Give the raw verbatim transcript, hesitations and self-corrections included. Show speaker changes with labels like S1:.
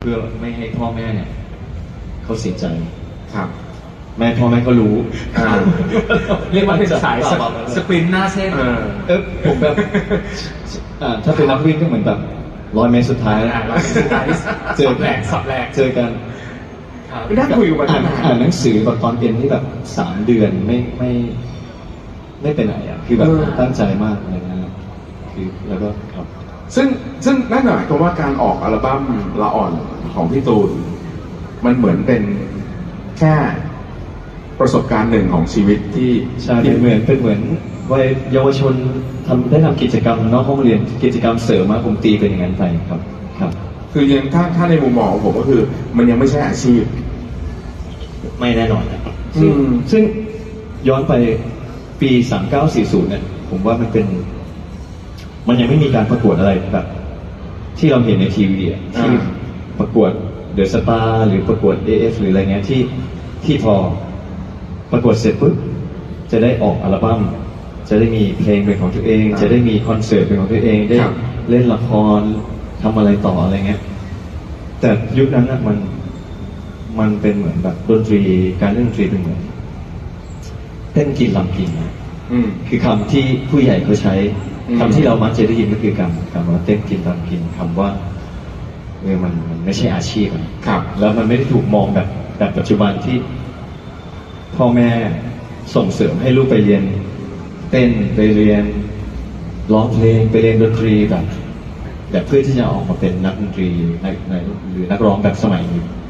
S1: พื่อไม่ให้พ่อแม่เนี่ยเขาเสียใจ
S2: ครับ
S1: แม่พ่อแม่ก็รู้
S2: อ่า
S3: เรียกว่าเป็นสายสปสปรินต์หน้าเส้น
S2: เออ
S1: เออผมแบบอ่าถ้าเป็นนักวิ่งก็เหมือนแบบร้อยเมตรสุดท้าย
S3: อ่าร้อยเมตรสุดท้าย
S1: เจอ
S3: สับแหลกสับแหลก
S1: เจอกัน
S3: ครับ
S2: ไม่ได้คุยกัน
S1: อ่านอ่านหนังสือแบบตอนเรียนที่แบบสามเดือนไม่ไม่ไม่ไปไหนอ่ะคือแบบตั้งใจมากอะไรเงี้ยคือแล้วก็ครับ
S2: ซึ่งซึ่งนั่นหมายความว่าการออกอัลบั้มละอ่อนของพี่ตูน มันเหมือนเป็นแค่ประสบการณ์หนึ่งของชีวิตที่
S1: ใช่
S2: ที่
S1: เป็นเหมือนเป็นเหมือนวัยเยาวชนทำได้ทำกิจกรรมนอกห้องเรียนกิจกรรมเสริมมาผมตีเป็นอย่างนั้นไปครับครับ
S2: คือยังถ้าถ้าในมุมมองของผมก็คือ มันยังไม่ใช่อาชีพ
S1: ไม่แน่นอนนะครับซึ่ง
S2: อืม
S1: ซึ่งย้อนไปปีสามเก้าสี่ศูนย์เนี่ยผมว่ามันเป็น มันยังไม่มีการประกวดอะไรแบบ ที่เราเห็นในทีวีอะที่ประกวดเดอะสตาร์หรือประกวด เอ เอฟ หรืออะไรเงี้ยที่ที่พอประกวดเสร็จปุ๊บจะได้ออกอัลบั้มจะได้มีเพลงเป็นของตัวเอง จะได้มีคอนเสิร์ตเป็นของตัวเองได้เล่นละครทำอะไรต่ออะไรเงี้ยแต่ยุคนั้นอะมันมันเป็นเหมือนแบบดนตรีการเล่นดนตรีเป็นเหมือนเต้นกินลำกินนะ
S2: อืม
S1: คือคำที่ผู้ใหญ่เขาใช้
S2: อืม
S1: คำที่เรามักจะได้ยินก็คือคำคำว่าเต้นกินลำกินคำว่าเออมันมันไม่ใช่อาชีพอะ
S2: ครับ
S1: แล้วมันไม่ได้ถูกมองแบบแบบปัจจุบันที่พ่อแม่ส่งเสริมให้ลูกไปเรียน เต้นไปเรียนร้องเพลงไปเรียนดนตรีแบบแบบเพื่อที่จะออกมาเป็นนักดนตรีนักนักหรือนักร้องแบบสมัยนี้